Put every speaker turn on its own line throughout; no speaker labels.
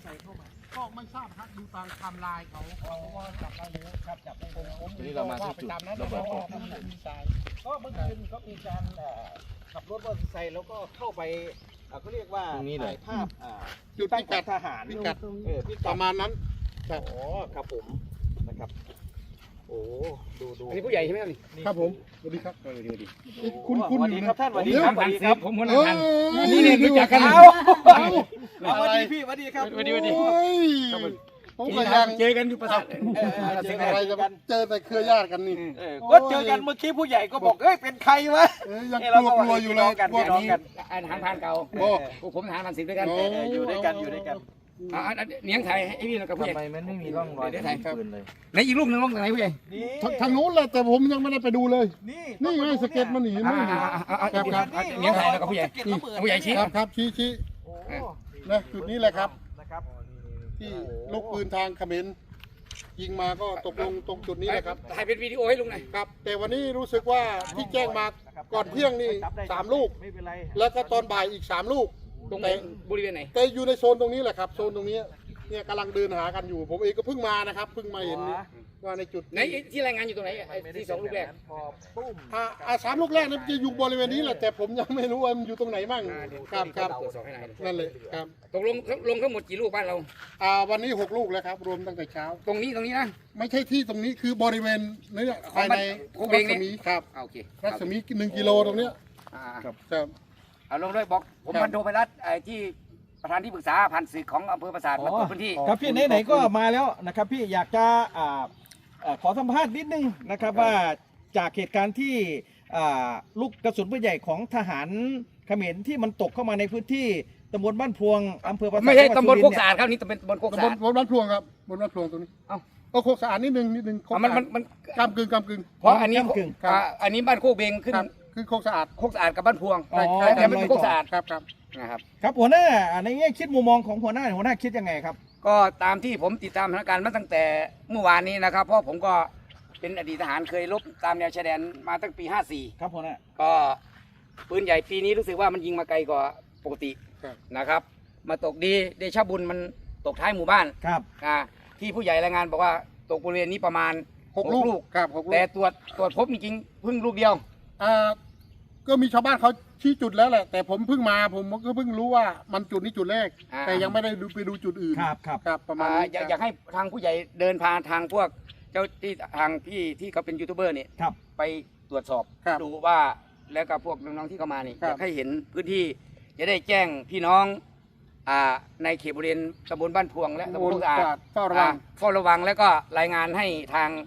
ส่เข้ามา
ก็ไม่ทราบครับดูตามไทม์ไลน์เขาว่าจับได้แล้วครับจับได้แล้วผม
ทีนี้เรามาที่จุด
ระเบิดมีสายก็เมื่อคืนก็มีการขับรถมอเตอร์ไซค์แล้วก็เข้าไปเขาเรียกว่า
ตรงนี้เลย
ถ่ายภาพจุดตั้งกัดทหารพิกัดประมาณนั้นครับอ๋อครับผมนะครับโอ้ดู
อันนี้ผู้ใหญ่ใช่ไหมครับนี่
ครับผมสวัสดีครับสวัสดีคุณสวัสดีครับท่านสวัสดีครับสวัสดีครับ
ผมคนละทันนี่เนี่ยรู้จักกัน
เอาสวัสดีพี่สวัสดีครับ
สวัสดี
ผมก็ยัง
เจอกันอยู่ประสาท
เจออะไรจะเจอแต่เครือญาติกันนี่
ก็เจอกันเมื่อกี้ผู้ใหญ่ก็บอกเอ้ยเป็นใครวะ
ยังกลัวอยู่เลย
กัน
พวก
น้อง
นี้
กัน
อาหารพานเก่าพวกผมทหารพันสิบด้วยกัน
อยู่ด้วยกันอยู่ด้วยกัน
เนียงไทยให้พี่กับผู้ใหญ่
ทำไมมันไม่มีร่องรอยปืนเลย
ไหนอีกลูกหนึ่งลูกไหนผู้ใหญ่
นี่
ทางนู้นแหละแต่ผมยังไม่ได้ไปดูเลย
นี่
นี่ไงสเก็ตมันหนีไม่หนี
เนียงไทยแล้วกับผู้ใหญ่ผู้ใหญ่ชี้
ครับชี้
โอ้
นะจุดนี้แหละครับ
นะครับ
ที่ลูกปืนทางเขมรยิงมาก็ตกลงตรงจุดนี้แหละครับ
ถ่ายเป็นวิดีโอให้ลุงหน่อย
ครับ แต่วันนี้รู้สึกว่าที่แจ้งมาก่อนเที่ยงนี่3 ลูก
ไม่เป็นไร
แล้วก็ตอนบ่ายอีก3 ลูก
ตรงบริเวณไหน
แต่อยู่ในโซนตรงนี้แหละครับโซนตรงนี้เนี่ยกำลังเดินหากันอยู่ ผมเองก็เพิ่งมานะครับเพิ่งมาเห็นว่าในจุด
ไหนที่รายงานอยู่ตรงไหนที่2 ลูกแรก
พอปุ้ม
3 ลูกแรกนั้นจะอยู่บริเวณนี้แหละแต่ผมยังไม่รู้ว่ามันอยู่ตรงไหนมั่งครับ
ตรวจสอบให้หน่อย
นั่นเลยครับ
ตกลงทั้งหมดกี่ลูกบ้านเรา
วันนี้6 ลูกแล้วครับรวมตั้งแต่เช้า
ตรงนี้นะ
ไม่ใช่ที่ตรงนี้คือบริเวณนี้ภายใน
ของบ้าน
รัศมีครับ
โอเค
รัศมี1 กิโลตรงเนี้ยครับ
เอาลงด้วยบอกผมพันโทไพรัตน์ที่ประธานที่ปรึกษาพันศึกของอำเภอปราสาทมาตรวจพื้นที่
ครับพี่ไหนๆก็มาแล้วนะครับพี่อยากจะขอสัมภาษณ์นิดนึงนะครับว่าจากเหตุการณ์ที่ลูกกระสุนปืนใหญ่ของทหารเขมรที่มันตกเข้ามาในพื้นที่ตำบลบ้านพวงอำเภอปราสาท
ไม่ใช่
จังห
ตำบ
วั
ล
ด
โค
สุ
ก
รินทร์
สะอาดครับนี่ตำบลโคกสะอาด
บนบ้านพลวงครับบนบ้านพลวงตรงนี้
เอ้า
โคกสะอาดนิดนึงโคก
มัน
กำกึ่ง
เพราะอันนี้
ครับ
อันนี้บ้านโคกเบงขึ้น
ครับคือโคกสะอาด
โคกสะอาดกับบ้านพวง
อ๋อ
แต่ไม่เป็นโคกสะอาด
ครับ
นะครับ
ครับหัวหน้าในแง่คิดมุมมองของหัวหน้าคิดยังไงครับ
ก็ตามที่ผมติดตามสถานการณ์มาตั้งแต่เมื่อวานนี้นะครับ เพราะผมก็เป็นอดีตทหารเคยรบตามแนวชายแดนมาตั้งปี 54
ครับหัวหน้า
ก็ปืนใหญ่ปีนี้รู้สึกว่ามันยิงมาไกลกว่าปกติ
ครับ
นะครับ มาตกดีเดชะบุญมันตกท้ายหมู่บ้าน
ครับ
ที่ผู้ใหญ่รายงานบอกว่าตกบริเวณนี้ประมาณ
6 ลูกครับ6 ลูก
แต่ตรวจพบจริงๆเพิ่งลูกเดียว
ก็มีชาวบ้านเขาชี้จุดแล้วแหละ แต่ผมเพิ่งมาผมก็เพิ่งรู้ว่ามันจุดนี้จุดแรก แต่ยังไม่ได้ไปดูจุดอื่น
ครับ
ประมาณนี้
อยากให้ทางผู้ใหญ่เดินพาทางพวกเจ้าที่ทางพี่ที่เขาเป็นยูทูบเบอร์เนี่ย
ครับ
ไปตรวจสอบ
ครับ
ดูว่าแล้วกับพวกน้องๆที่เข้ามานี่
ครับ
อยากให้เห็นพื้นที่จะได้แจ้งพี่น้องในเขตบริเวณตำบลบ้านพวงและตำบลโคกสะอาด
เฝ้าระวัง
เฝ้าระวังแล้วก็รายงานให้ทาง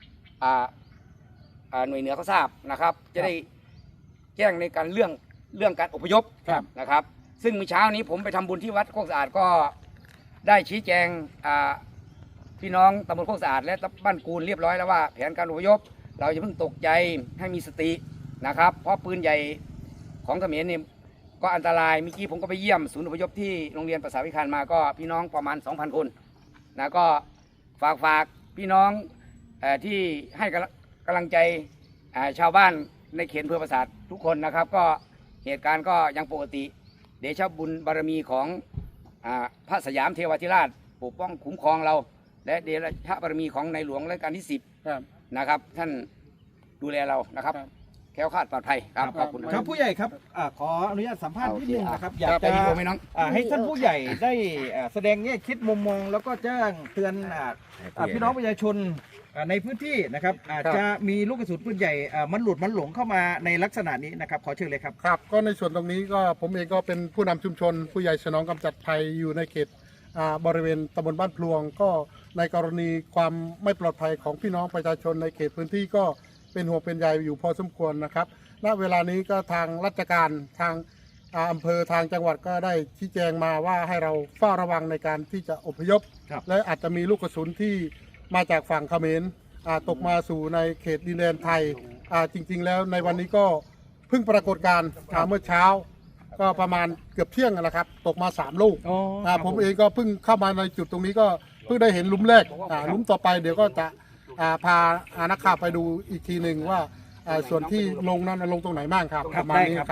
หน่วยเหนือเขาทราบนะครับ จะได้แจ้งในการเรื่องการอพยพ
ครับ
นะครับ ซึ่งเมื่อเช้านี้ผมไปทำบุญที่วัดโคกสะอาดก็ได้ชี้แจงพี่น้องตำบลโคกสะอาดและบ้านกูลเรียบร้อยแล้วว่าแผนการอพยพ เราจะเพิ่งตกใจให้มีสตินะครับ เพราะปืนใหญ่ของเขมรเนี่ยก็อันตรายเมื่อกี้ผมก็ไปเยี่ยมศูนย์อพยพที่โรงเรียนประสาวิคารมาก็พี่น้องประมาณ 2,000 คนนะก็ฝากพี่น้องที่ให้กำลังใจชาวบ้านในเขตอำเภอปราสาททุกคนนะครับ ก็เหตุการณ์ก็ยังปกติเดชะบุญบารมีของพระสยามเทวาธิราชปกป้องคุ้มครองเรา และเดชะบารมีของในหลวงรัชกาลที่
ครับ
10นะครับท่านดูแลเรานะครับ
ครับ
แคล้วคลาดปลอดภัยครับขอบคุณ
ครับผู้ใหญ่ครับขออนุญาตสัมภาษณ์นิดนึงนะครับอยาก
ไป
จะ
ดีกว่าไหมน้อง
ให้ท่านผู้ใหญ่ได้แสดงแง่คิดมุมมอง แล้วก็แจ้งเตือนพี่น้องประชาชนในพื้นที่นะครับอาจจะมีลูกกระสุนปืนใหญ่มันหลงเข้ามาในลักษณะนี้นะครับขอเชิญเลยครับ
ครับก็ในส่วนตรงนี้ก็ผมเองก็เป็นผู้นำชุมชน ผู้ใหญ่สนองกำจัดภัยอยู่ในเขตบริเวณตำบลบ้านพลวง ก็ในกรณีความไม่ปลอดภัยของพี่น้องประชาชนในเขตพื้นที่ก็เป็นห่วงเป็นใยอยู่พอสมควรนะครับณเวลานี้ก็ทางราชการทางอำเภอทางจังหวัดก็ได้ชี้แจงมาว่าให้เราเฝ้าระวังในการที่จะอพยพ
ครับ
และอาจจะมีลูกกระสุนที่มาจากฝั่งเขมรตกมาสู่ในเขตดินแดนไทยจริงๆแล้วในวันนี้ก็เพิ่งปรากฏการณ์เมื่อเช้า ก็ประมาณเกือบเที่ยงแล้วครับตกมา3 ลูกผมเองก็เพิ่งเข้ามาในจุดตรงนี้ก็เพิ่งได้เห็นหลุมแรกหลุมต่อไปเดี๋ยวก็จะพานักข่าวไปดูอีกทีหนึ่งว่าส่วนที่ลงนั้นลงตรงไหนบ้างครับประมาณนี้ครับ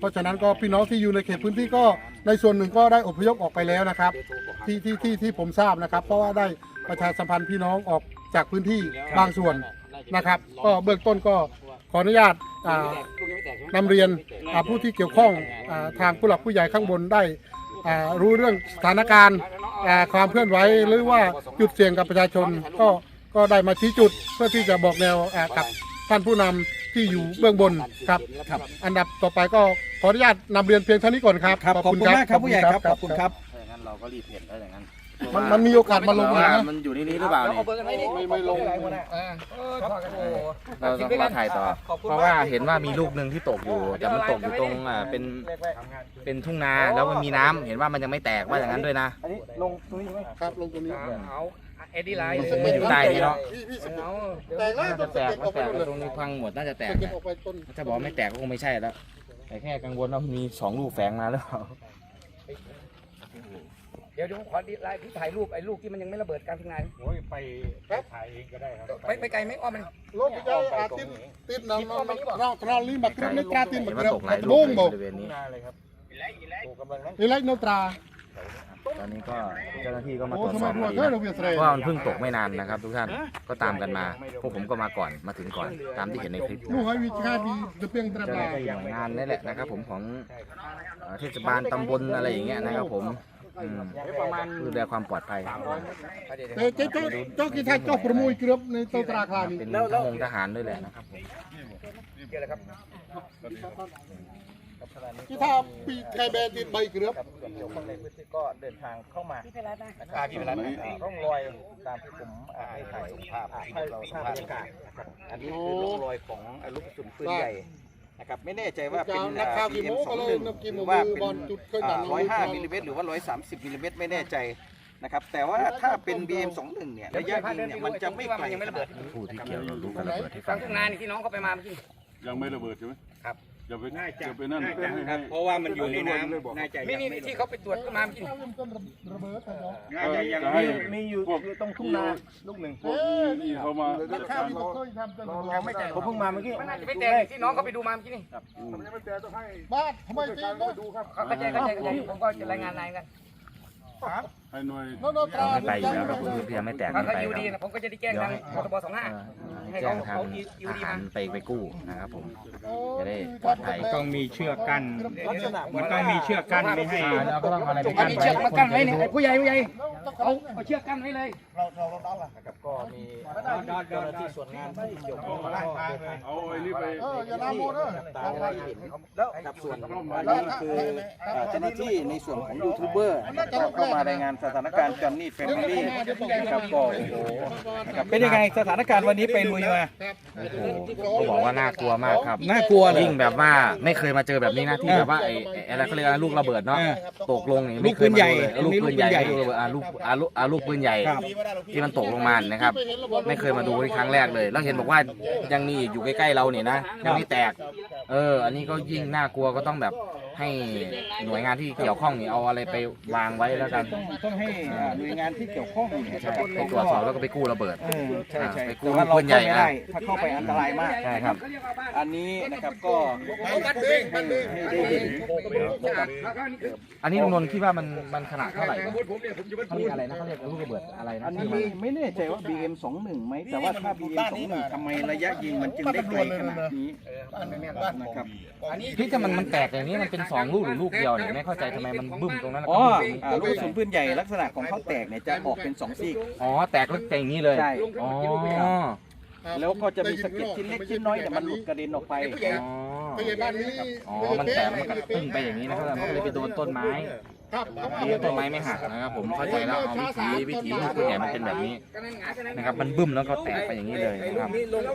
เพราะฉะนั้นก็พี่น้องที่อยู่ในเขตพื้นที่ก็ในส่วนหนึ่งก็ได้อพยพออกไปแล้วนะครับที่ผมทราบนะครับ เพราะว่าได้ประชาสัมพันธ์พี่น้องออกจากพื้นที่บางส่วนนะครับ ก็เบื้องต้นก็ขออนุญาตนำเรียนผู้ที่เกี่ยวข้องทางผู้หลักผู้ใหญ่ข้างบนได้รู้เรื่องสถานการณ์ความเคลื่อนไหวหรือว่าจุดเสี่ยงกับประชาชนก็ได้มาชี้จุดเพื่อที่จะบอกแนวกับท่านผู้นำที่อยู่เบื้องบนครับอันดับต่อไปก็ขออนุญาตนำเรียนเพียงเท่านี้ก่อนครับ
ครับขอบคุณมากครับผู้ใหญ่ครับขอบคุณครับ
งั้นเราก็รีบเห็นได้อย่างนั้น
มันมีโอกาสมาลง
ว่า
นะ
มันอยู่ในนี้หรือเปล่านี่
ไม่ลง
เราต้องมาถ่ายต่อ เพราะว่าเห็นว่ามีลูกหนึ่งที่ตกอยู่ แต่มันตกอยู่ตรงเป็นทุ่งนาแล้วมันมีน้ำเห็นว่ามันยังไม่แตกว่าอย่างนั้นด้วยนะ
อันนี้ลงตรงนี้ไหม
ครับลงตรงนี้
เอาเอ็ดดี้ไลน์
มันอยู่ใต้นี่เนาะ
แต่แล้ว
น่าจะแตกมันแตกแล้วตรงนี้พังหมดน่าจะแตก
เก็บ
นะ
ออกไปต้น
ถ้าบอกไม่แตกก็คงไม่ใช่แล้วแต่แค่กังวลว่ามี2ลูกแฝงมาหรือเปล่า
เดี๋ยวขอดีไลน์ที่ถ่ายรูปไอ้ลูกที่มันยังไม่ระเบิดกลางทุ่งนา
โอ้ยไปถ่ายเองก็ได้ครับ
ไปไกลไหมอ้อมมัน
รถไปได้ติดน้ำเราลีมาขึ้นในตราติน
เห็
มาน
ว่า
เกลียว
ตกหลายลู
บุ้
ก
ง
ใน
บอก
บริเวณนี้
นี่เล็กโนตรา
ตอนนี้ก็เจ้าหน้าที่ก็มา
โอ้
ตรวจ
ทำ
ส
ไม
อบ
รัว
คดี
เธอ
นะ
เราเวียนเสร
เพราะว่ามันเพิ่งตกไม่นานนะครับ ทุกท่านก็ตามกันมาพวกผมก็มาก่อนมาถึงก่อนตามที่เห็นในคลิป
ลูกให้วิชาดีเดือเพียงตรา
เจ้าห
บา
น้าที่หน่วยงานนี่แหละนะครับ ผมของเทศบาลตำบลอะไรอย่างเงี้ยนะครับผมดูแลความปลอดภัย
แต่เจ้ากีทาเจ้าประมุยเกลือบในโตตราคลานี้
เป็นทหารด้วยแหละนะครับผม
กีทาปีไก่แบนติดใบเกลือบ
ส่วนเกี่ยวข้องในพื้นที่ก็เดินทางเข้ามา
พี่ไปรัดนะ
พี่เป็นร่องรอยตามที่ผมให้ถ่ายภาพให้เราภาพบรรยากาศนะครับอันนี้คือร่องรอยของลูกกระสุนปืนใหญ่นะครับไม่แน่ใจว่าเป็น
นักข่าวกี่โมงก็เลย
BM21
นักกี่
ห
โม
รื
ง
อว่า
มือ
เป็น
บอลจุดเคยดัง
105มิลลิเมตรหรือว่า130มิลลิเมตรไม่แน่ใจนะครับแต่ว่าถ้าเป็น BM21 เนี่ยระยะยิงเนี่ยมันจะไม่ไกลขนาดนี้
ผู้ที่เกี่ยวกับลูกกระเบิดให้
ก
ฟั
ลาง งทุ่งนานี่ที่น้องเขาไปมาเมื่อกี้
ยังไม่ระเบิดใช่ไหม
ครับ
อย่าไปนั่นให้
เพราะว่ามันอยู่ในน้ำน่าจะ
นี่ที่เขาไปตรวจก็มาเมื่อกี้
ระเบิดครับ
น่าจะยัง
ให้
มีอยู่ตรงทุ่งนาลูกหนึ่ง
พวกนี่เขามา
นักข่าวที่บอกเคยทำเป็น
ยังไม่แตกผมเพิ่งมาเมื่อกี้
มันน่าจะไม่แตกที่น้องเขาไปดูมาเมื่อกี้นี่
บ้านทำไมตีนดูครับ
เขาเข้าใจผมก็จะรายงานนายกัน
ให้หน่วย
โนตรา
ไม่ไปอยู่แล้วครับคุณพี่ยังไม่แตก
ถ้า
ไม่
เขา
ไป
ยูดี
ครับ
นะผมก็จะได้แจ้งทางพทบ25
ให้แจ้งทางทหารไปกู้นะครับผมจะได้ปลอดภัย
ต้องมีเชือกกั้น
ลักษณะ
มันต้องมีเชือกกั้นไม่ให้
แล้วก็ต้องอะไรไป
อั
กั้
น
น
นี้
ไว้
เชือกมากั้นไว้เนี่ยผู้ใหญ่เอาเชือกกั้นไว้เลย
นะครับก็มีเจ้าหน้าที่ส่วนงานที่เกี่ยวข้องก็เดินทาง
เอาไอ้นี่ไป
อย่าลาโมเด้อ
ตามรายเห็นแล้วกับส่วนนี้คือเจ้าหน้าที่ในส่วนของยูทูบเบอร์นะครับเข้ามารายงานสถานการณ์จอนนี่แฟมิลี่นะครับก็โอ้โหนะครับเป็นยังไงสถานการณ์วันนี้ไปลุยมา
โอ้โหเขาบอกว่าน่ากลัวมากครับ
น่ากลัวเลย
ยิ่งแบบว่าไม่เคยมาเจอแบบนี้นะที่แบบว่าไอ้อะไรเขาเรียกอะไรลูกระเบิดเนาะตกลงนี่ไม่เคยมาดูเลยลูกปืนใหญ่ลูกระเบิดลูกปืนใหญ่ที่มันตกลงมานะครับ ไม่เคยมาดูนี่ครั้งแรกเลย แล้วเห็นบอกว่ายังมีอีกอยู่ใกล้ๆเราเนี่ยนะยังไม่แตกอันนี้ก็ยิ่งน่ากลัวก็ต้องแบบให้หน่วยงานที่เกี่ยวข้องนี่เอาอะไรไปวางไว้แล้วกัน
ต้องให้หน่วยงานที่เกี่ยวข้องเนี่ย
ใช่ไปตรวจสอบแล้วก็ไปกู้ระเบิด
ใช่ใช่
ไปกู้
แต่ว่าเรา
ปืนใหญ่
เข้าไม่ได้ถ้าเข้าไปอันตรายมาก
ใช่ครับ
อันนี้นะครับก็ให้ได้เห็น
อันนี้ลุงนนท์คิดว่ามันขนาดเท่าไหร่นะเขาเรียกอะไรนะเขาเรียกลูกระเบิดอะไรนะ
อันนี้ไม่แน่ใจว่า BM21 ไหมแต่ว่าถ้า BM21 ทำไมระยะยิงมันจึงได้ไกลขนาดนี้นะครับ
พี่แต่มันแตกอย่างนี้มันเป็น2ลูกหรือลูกเดียวเนี่ยไม่เข้าใจทำไมมันบึ้มตรงนั้นแล้ว
อ๋
ก็
อ
บึ้ม
ลูกกระสุนปืนใหญ่ลักษณะของเขาแตกเนี่ยจะออกเป็น2ซีก
อ๋อแตกแล้วแตกอย่างนี้เลย
ใช่
อ๋อ
แล้วก็จะมีสะเก็ดชิ้นเล็กชิ้นน้อยแต่ยมันหลุดกระเด็นออกไป
ผู้ใหญ่บ้านนี้
อ๋อมันแตกมันก็ตึ้งไปอย่างนี้นะครับมันก็เลยไปโดนต้นไม้
ครับ
ดีต้นไม้ไม่หักนะครับผมเข้าใจแล้วเอาวิถีลูกปืนใหญ่มันเป็นแบบนี้นะครับมันบึ้มแล้วก็แตกไปอย่างนี้เลยนะครับ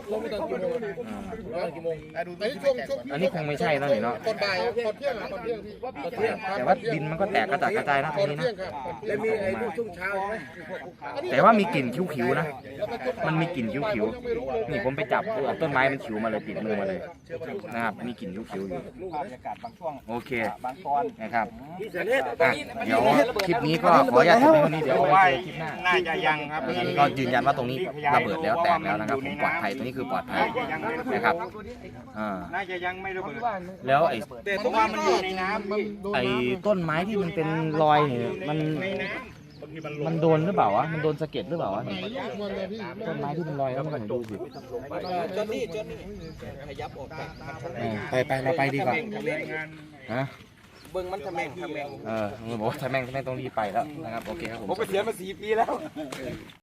อันนี้คงไม่ใช่แล้วนี่เนาะ
ก่อนบ่ายก่อนเที่ยงก่อนเที่ยงพี่
แต่ว่าดินมันก็แตกกระจัดกระจายนะตร
ก่อง น
นี้
เที่ย
นะ
งครับ
แล้วมีไอ้ลูกช่วงเช้าใช่ไหม
แต่ว่ามีกลิ่นคิ้วๆนะ มันมีกลิ่นคิ้วๆนี่ผมไปจับต้นไม้มันคิ้วมาเลยติดมือมาเลยนะครับมีกลิ่นคิ้วๆอยู่
บรรยากาศบางช่วง
โอเค
บางตอน
นะครับเดี๋ยวคลิปนี้ก็ขออนุญาตจบเพียงเท่านี้เดี๋ยวเอาไว้เจอคลิปหน้า
น่าจะยังครับ
อันนี้ก็ยืนยันว่าตรงนี้ระเบิดแล้วแตกแล้วนะครับผมปลอดภัยตรงนี้คือปลอดภัยนะครับ
น่าจะยังไม่ระเบิด
แล้วไอ้
แต่เพราะว่ามันอยู่ในน้ำพี่
ไอ้ต้นไม้ที่มันเป็นรอยเนี่ยมันโดนหรือเปล่าวะมันโดนสะเก็ดหรือเปล่าวะต้นไม้ที่เป็นรอยแล้วมันดูสิ
จนนี่ขยับออกไป
ไปเราไปดีกว่าฮะ
เบิ้งมันทำแม่ง
มึงบอกว่าถ้าแม่งต้องรีบไปแล้วนะครับโอเคครับผม
ผมไปเสียมา4 ปีแล้ว